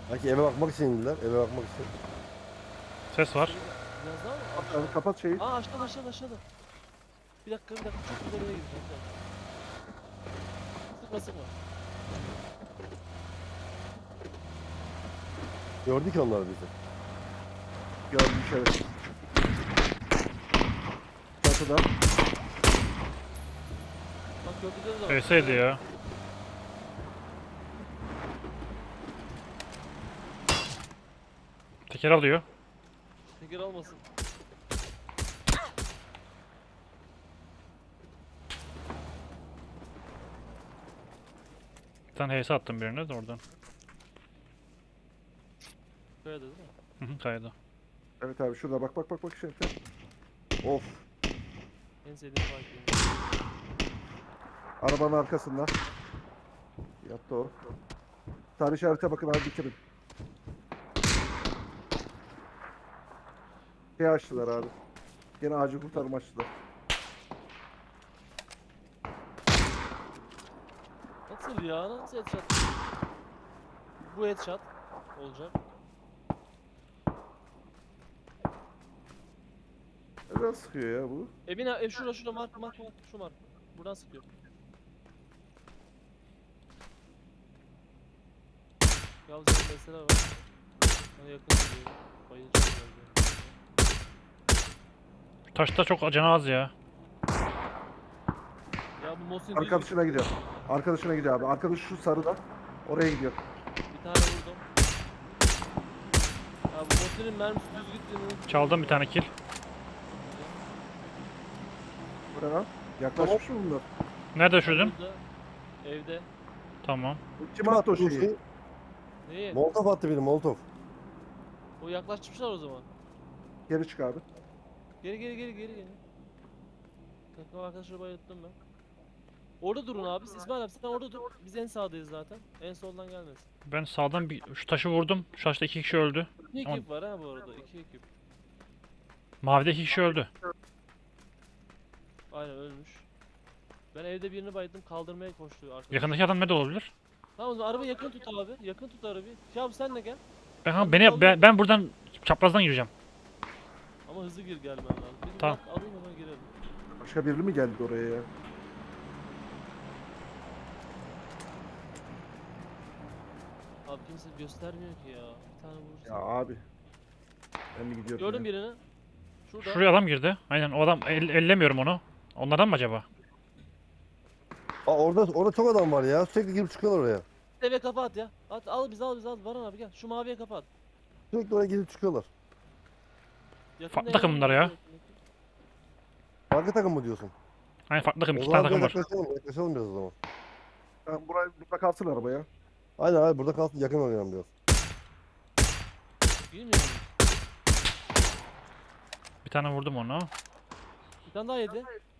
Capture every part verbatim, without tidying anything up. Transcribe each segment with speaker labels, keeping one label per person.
Speaker 1: Belki eve bakmak için indiler. Eve bakmak için.
Speaker 2: Ses var.
Speaker 3: Biraz daha mı?
Speaker 4: Abi kapat şeyi.
Speaker 3: Aa aşağıda aşağıda aşağıda. Bir dakika bir dakika çok güzel yere girdim. Sıkma sıkma.
Speaker 1: Gördü ki onlar bizi.
Speaker 4: Gördüm evet. Çatıda.
Speaker 3: Bak gördükleri de var.
Speaker 2: Öyleseydi ya. Teker alıyor.
Speaker 3: Teker almasın.
Speaker 2: Bir tane H S attım birine de oradan.
Speaker 3: Kayada değil mi?
Speaker 2: Hı hı, kaydı.
Speaker 4: Evet abi şurada bak bak bak bak şey. Of.
Speaker 3: En sevdiğim fight game.
Speaker 4: Arabanın arkasında. Yattı o. Tarih işarete bakın abi bitirin. Şey açtılar abi. Gene acil kurtarma açtılar.
Speaker 3: Nasıl ya? Nasıl headshot? Bu headshot olacak.
Speaker 4: Neden sıkıyor ya bu?
Speaker 3: Evin ev şurada şurada mark mark mark şu mark. Buradan sıkıyor. Yavuz'un mesela var. Bana yakın gidiyor. Bayılacağım galiba.
Speaker 2: Taşta çok canı az ya.
Speaker 3: Ya bu Mosin
Speaker 4: Arkadaşına gidiyor. Arkadaşına gidiyor abi. Arkadaş şu sarıda. Oraya gidiyor.
Speaker 3: bir tane vurdum. Ya bu Mosin'in mermisi düz gittiğini.
Speaker 2: Çaldım bir tane kill.
Speaker 4: Buraya lan. Yaklaşmış mı bunlar?
Speaker 2: Nerede düşürdün?
Speaker 3: Burada, evde.
Speaker 2: Tamam.
Speaker 4: Kim attı o şeyi?
Speaker 1: Şey,
Speaker 3: Neyi?
Speaker 1: Molotov attı biri Molotov.
Speaker 3: O yaklaşmışlar o zaman.
Speaker 4: Geri çık abi.
Speaker 3: Geri geri geri geri geri. Takım arkadaşları bayılttım ben. Orada durun abi. İsmail abi sen orada dur. Biz en sağdayız zaten. En soldan gelmesin.
Speaker 2: Ben sağdan bir şu taşı vurdum. Şu taşta iki kişi öldü.
Speaker 3: İki
Speaker 2: Tamam.
Speaker 3: ekip var ha bu arada. İki ekip.
Speaker 2: Mavide iki kişi öldü.
Speaker 3: Aynen ölmüş. Ben evde birini bayıldım. Kaldırmaya koştu arkadaş.
Speaker 2: Yakındaki adam nerede olabilir?
Speaker 3: Tamam o zaman arabayı yakın tut abi. Yakın tut arabayı. Ya abi sen de gel.
Speaker 2: Ben, ha, beni, ben, ben buradan çaprazdan gireceğim.
Speaker 3: Ama hızlı gir gelmen lazım. Bir
Speaker 2: Tamam.
Speaker 3: bak, alayım hemen girelim.
Speaker 4: Başka biri mi geldi oraya ya?
Speaker 3: Abi kimse göstermiyor ki ya. Bir tane vurursun.
Speaker 4: Ya abi. Ben mi gidiyorum?
Speaker 3: Gördüm
Speaker 4: ya?
Speaker 3: birini. Şurada.
Speaker 2: Şuraya adam girdi. Aynen o adam el, ellemiyorum onu. Onlardan mı acaba?
Speaker 1: Aa, orada orada çok adam var ya. Sürekli girip çıkıyorlar oraya.
Speaker 3: Eve kafa at ya. At al biz al biz al. Baran abi gel. Şu maviye kafa at.
Speaker 1: Sürekli oraya girip çıkıyorlar.
Speaker 3: Yakında
Speaker 2: Farklı
Speaker 3: eve
Speaker 2: takım bunlar ya.
Speaker 1: Farklı takım mı diyorsun?
Speaker 2: Aynen farklı takım.
Speaker 1: O
Speaker 2: İki tane
Speaker 1: zaman
Speaker 2: takım
Speaker 1: biraz
Speaker 2: var.
Speaker 1: yaklaşalım, yaklaşalım biraz o zaman.
Speaker 4: Ben buraya burada kalsın araba ya.
Speaker 1: Aynen abi burada kalsın, yakın oynayalım biraz.
Speaker 3: Bilmiyor musun?
Speaker 2: Bir tane vurdum onu.
Speaker 3: Bir tane daha yedi.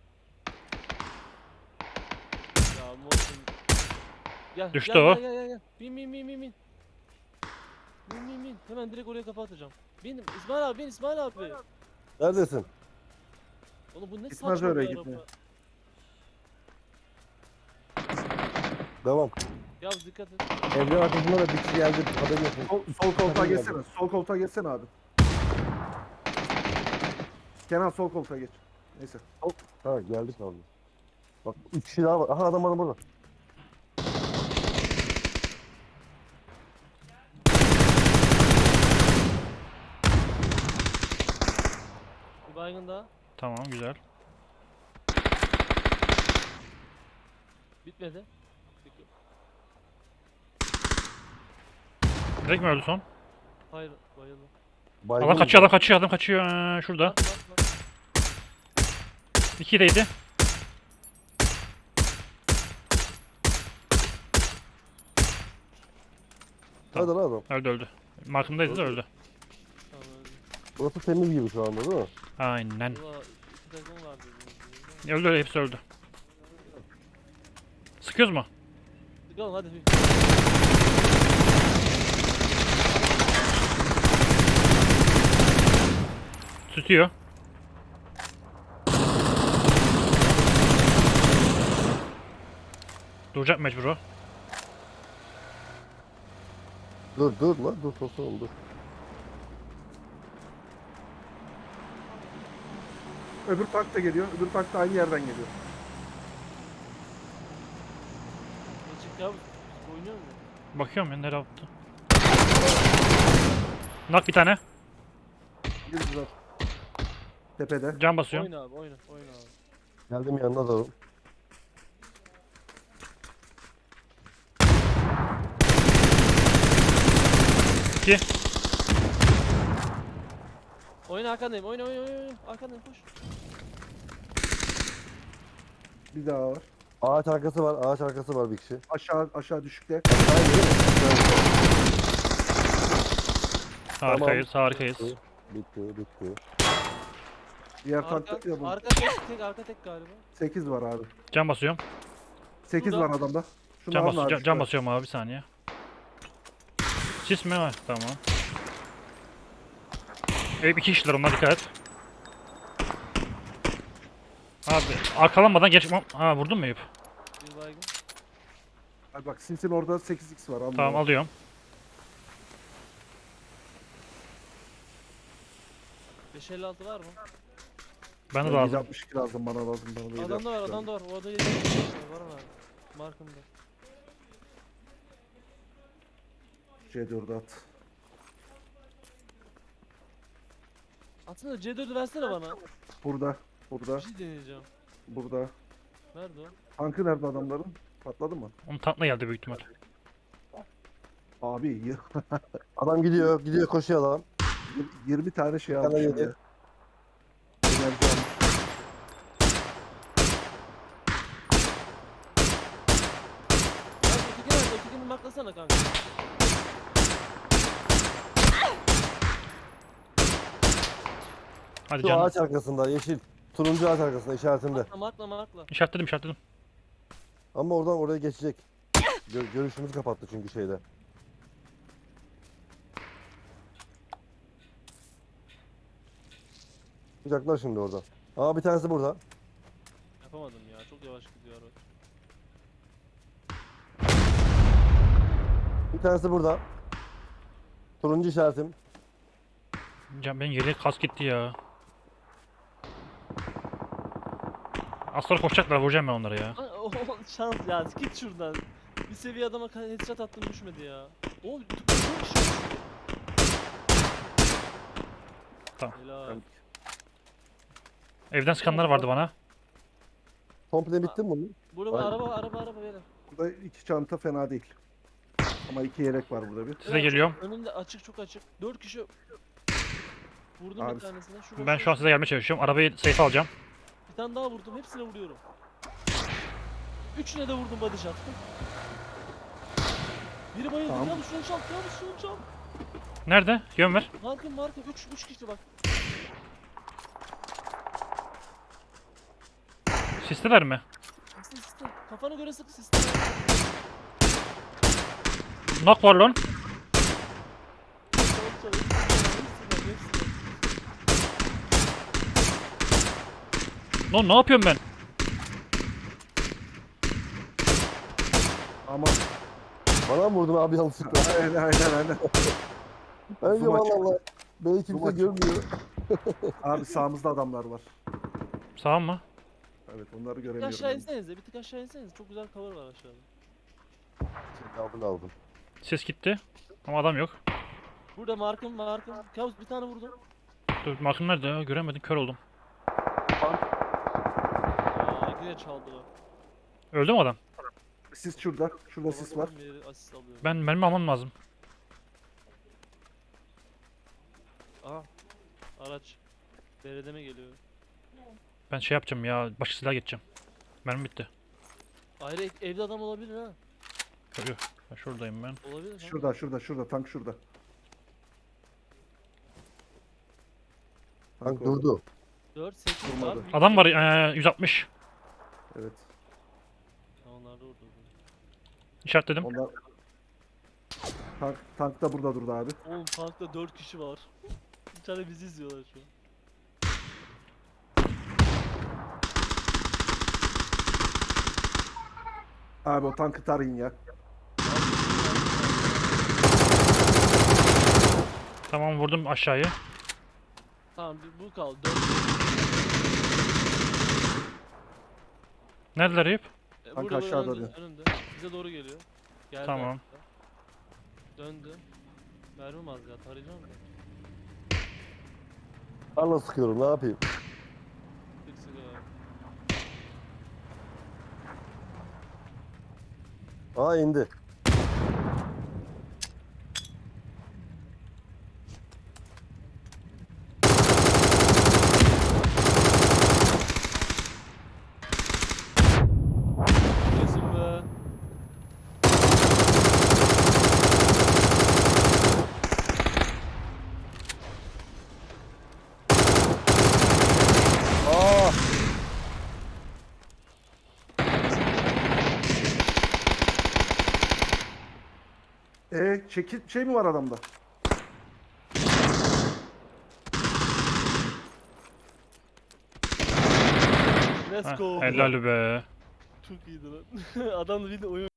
Speaker 3: Ya Mosin. Gel,
Speaker 2: Düştü
Speaker 3: gel,
Speaker 2: o.
Speaker 3: Gel, gel, gel, gel. Bin, bin, bin, bin, bin. Bin, bin, bin. Hemen direkt oraya kafa atacağım. Bin, İsmail abi, bin, İsmail abi.
Speaker 1: Neredesin?
Speaker 3: Oğlum bu ne
Speaker 4: Gitmez
Speaker 3: saçma
Speaker 4: öyle
Speaker 3: bir
Speaker 4: gitme.
Speaker 3: araba.
Speaker 1: Devam.
Speaker 3: Ya dikkat et.
Speaker 1: Evlerin arkasında da bir kişi geldi. Haberin olsun.
Speaker 4: Sol, sol koltuğa
Speaker 1: Takım
Speaker 4: geçsene.
Speaker 1: geldi.
Speaker 4: Sol koltuğa geçsene abi. Kenan sol koltuğa geç. Neyse.
Speaker 1: Ha geldik abi. Bak üç kişi daha var. Aha adam adam burada.
Speaker 3: Bir baygın daha.
Speaker 2: Tamam güzel.
Speaker 3: Bitmedi. Peki.
Speaker 2: Direkt mi öldü son?
Speaker 3: Hayır, bayıldı.
Speaker 1: Baygın
Speaker 2: Adam
Speaker 1: mı?
Speaker 2: kaçıyor adam kaçıyor adam kaçıyor. Ee, şurada.
Speaker 3: Bak, bak, bak.
Speaker 2: İkideydi.
Speaker 1: Hadi lan adam.
Speaker 2: Öldü öldü. Markımdaydı da öldü.
Speaker 3: Tamam öldü.
Speaker 1: Burası temiz gibi şu anda değil mi?
Speaker 2: Aynen.
Speaker 3: Valla iki takım var dediğiniz gibi.
Speaker 2: Öldü öldü hepsi öldü. Sıkıyoruz mu?
Speaker 3: Çıkalım hadi. bir.
Speaker 2: Tutuyor. Duracak mecbur o.
Speaker 1: Dur dur lan dur tosunum dur.
Speaker 4: Öbür tank da geliyor. Öbür tank da aynı yerden geliyor.
Speaker 3: Geçik ya. Oynuyor mu?
Speaker 2: Bakıyorum ya nereye attı. Nak bir tane.
Speaker 4: Girdiler. Tepede.
Speaker 2: Can basıyorum.
Speaker 3: Oyna abi oyna. Oyna abi.
Speaker 1: Geldim yanına da.
Speaker 2: İki.
Speaker 3: Oyna arkandayım. Oyna oyna oyna. oyna. Arkandayım koş.
Speaker 4: Bir daha var.
Speaker 1: Ağaç arkası var. Ağaç arkası var bir kişi.
Speaker 4: Aşağı aşağı düşükte.
Speaker 2: Harikayız, harikayız.
Speaker 1: Bitti. Bitti. Bitti.
Speaker 4: Diğer
Speaker 3: Arka,
Speaker 4: tank da bu.
Speaker 3: arka tek tek arka tek galiba.
Speaker 4: sekiz var abi.
Speaker 2: Can basıyorum.
Speaker 4: sekiz
Speaker 3: Burada.
Speaker 4: var adamda. Şunu
Speaker 2: Can,
Speaker 4: alın
Speaker 2: bas
Speaker 4: abi,
Speaker 2: can,
Speaker 4: şu
Speaker 2: can
Speaker 4: kadar.
Speaker 2: basıyorum abi bir saniye. Sis mi var? Tamam. Eyüp iki kişiler onlar dikkat et. Abi arkalanmadan geç... Ha vurdun mu Eyüp?
Speaker 3: Bir baygın.
Speaker 4: Abi bak Sinsin orada sekiz x var. Alın
Speaker 2: Tamam
Speaker 4: abi.
Speaker 2: alıyorum.
Speaker 3: beş elli altı var mı?
Speaker 2: Ben de
Speaker 4: Ben
Speaker 2: lazım.
Speaker 4: yedi altmış iki lazım bana lazım. Bana da
Speaker 3: Adamda var
Speaker 4: yedi altmış iki
Speaker 3: adamda var. Orada yedi altmış beş var mı abi? Markımda.
Speaker 4: lazım. C dördü at.
Speaker 3: Aslında C dördü versene bana.
Speaker 4: Burada.
Speaker 3: Bir
Speaker 4: Burada.
Speaker 3: şey deneyeceğim.
Speaker 4: Burada.
Speaker 3: Nerede o?
Speaker 4: Tankı nerede adamların? Patladı mı?
Speaker 2: Onun tankla geldi büyük ihtimal.
Speaker 4: Abi y-
Speaker 1: Adam gidiyor. Gidiyor koşuyor adam.
Speaker 4: yirmi tane şey
Speaker 1: Bir tane
Speaker 4: almışım
Speaker 1: yedi.
Speaker 4: ya. Enerji almış.
Speaker 3: Ya öteki nerede? Ötekini marklasana kanka.
Speaker 2: Hadi
Speaker 1: Şu
Speaker 2: canım.
Speaker 1: ağaç arkasında yeşil. Turuncu ağaç arkasında işaretimde.
Speaker 3: Markla markla markla.
Speaker 2: İşaretledim işaretledim.
Speaker 1: Ama oradan oraya geçecek. Gö görüşümüzü kapattı çünkü şeyde. Çıkacaklar şimdi orada. Aa bir tanesi burada.
Speaker 3: Yapamadım ya. Çok yavaş gidiyor araç.
Speaker 1: Bir tanesi burada. Turuncu işaretim.
Speaker 2: Can benim geriye kas gitti ya. Az sonra koşacaklar vuracağım ben onları ya.
Speaker 3: Lan o şans ya. Git şuradan. Bir seviye adama ka- headshot attım düşmedi ya. O çok kişi.
Speaker 2: Tamam.
Speaker 3: Helal.
Speaker 2: Evden sıkanlar vardı bana.
Speaker 1: Komple bitti mi bunun?
Speaker 3: Burada
Speaker 1: Aynen.
Speaker 3: araba araba araba beyler.
Speaker 4: Burada iki çanta fena değil. Ama iki yelek var burada bir.
Speaker 2: Size
Speaker 3: Beyler,
Speaker 2: geliyorum.
Speaker 3: Önünde açık çok açık. Dört kişi. Vurdum
Speaker 4: Abi,
Speaker 3: bir tanesine. Şurada,
Speaker 2: Ben şu an size gelmeye çalışıyorum. Arabayı safe alacağım.
Speaker 3: Bir tane daha vurdum. Hepsine vuruyorum. Üçüne de vurdum body shot. Biri bayıldı.
Speaker 4: Tamam.
Speaker 3: Ya şunu çal. Ya şunu çal.
Speaker 2: Nerede? Yön ver.
Speaker 3: Markım markım. Üç, üç kişi bak.
Speaker 2: Sisteler mi?
Speaker 3: Siste siste. Kafana göre sık siste.
Speaker 2: Knock var lan.
Speaker 3: Çal çal. Hepsine, hepsine.
Speaker 2: Lan ne yapıyorum ben?
Speaker 4: Ama
Speaker 1: Bana mı vurdun abi yanlışlıkla?
Speaker 4: aynen aynen aynen.
Speaker 1: Bence
Speaker 4: Zoom açık.
Speaker 1: valla beni
Speaker 4: Zoom
Speaker 1: kimse
Speaker 4: açık.
Speaker 1: görmüyor.
Speaker 4: Abi sağımızda adamlar var.
Speaker 2: Sağ mı?
Speaker 4: Evet onları
Speaker 3: Bir
Speaker 4: göremiyorum.
Speaker 3: aşağı
Speaker 4: ben.
Speaker 3: insenize. Bir tık aşağı insenize. Çok güzel cover var aşağıda.
Speaker 1: Şimdi aldım aldım.
Speaker 2: Ses gitti. Ama adam yok.
Speaker 3: Burada markım markım. Kabus bir tane vurdum.
Speaker 2: Dur markım nerede ya? Göremedim kör oldum.
Speaker 3: Aa yine çaldı o.
Speaker 2: Öldü mü adam?
Speaker 4: Sis şurada. Şurada sis var.
Speaker 3: Bir yeri asist alıyorum.
Speaker 2: Ben mermi almam lazım.
Speaker 3: Aha. Araç. Beredeme geliyor.
Speaker 2: Ben şey yapacağım ya. Başka silah geçeceğim. Mermi bitti.
Speaker 3: Ayrı ev- evde adam olabilir ha.
Speaker 2: Yok yok. Ben şuradayım ben.
Speaker 3: Olabilir. kanka.
Speaker 4: Şurada şurada şurada tank şurada.
Speaker 1: Tank
Speaker 4: orada.
Speaker 1: durdu.
Speaker 3: dört sekiz var.
Speaker 4: Durmadı.
Speaker 3: büyük
Speaker 2: Adam var
Speaker 3: ihtimalle.
Speaker 2: ee, yüz altmış.
Speaker 4: Evet.
Speaker 3: Ha, onlar da orada.
Speaker 2: İşaretledim.
Speaker 4: Onlar tank, tank da burada durdu abi.
Speaker 3: Oğlum tankta dört kişi var. Bir tane bizi izliyorlar şu an.
Speaker 4: Abi o tankı tarayın ya.
Speaker 2: Tamam vurdum aşağıyı.
Speaker 3: Tamam bir bu kaldı. Dön.
Speaker 2: Neredeler Eyüp?
Speaker 3: E,
Speaker 4: Kanka
Speaker 3: burada, burada,
Speaker 4: aşağıda
Speaker 3: önünde,
Speaker 4: diyor.
Speaker 3: önünde. Bize doğru geliyor. Geldi
Speaker 2: Tamam.
Speaker 3: hatta. Döndü. Mermim az ya tarayacağım da.
Speaker 1: Tarla sıkıyorum ne yapayım?
Speaker 3: Sık sık abi.
Speaker 1: Aa indi.
Speaker 3: Kesin be.
Speaker 1: Aa!
Speaker 4: E çekil şey mi var adamda?
Speaker 3: Let's
Speaker 2: Heh,
Speaker 3: go.
Speaker 2: helal be.
Speaker 3: Çok iyiydi lan. Adam da bir de oyun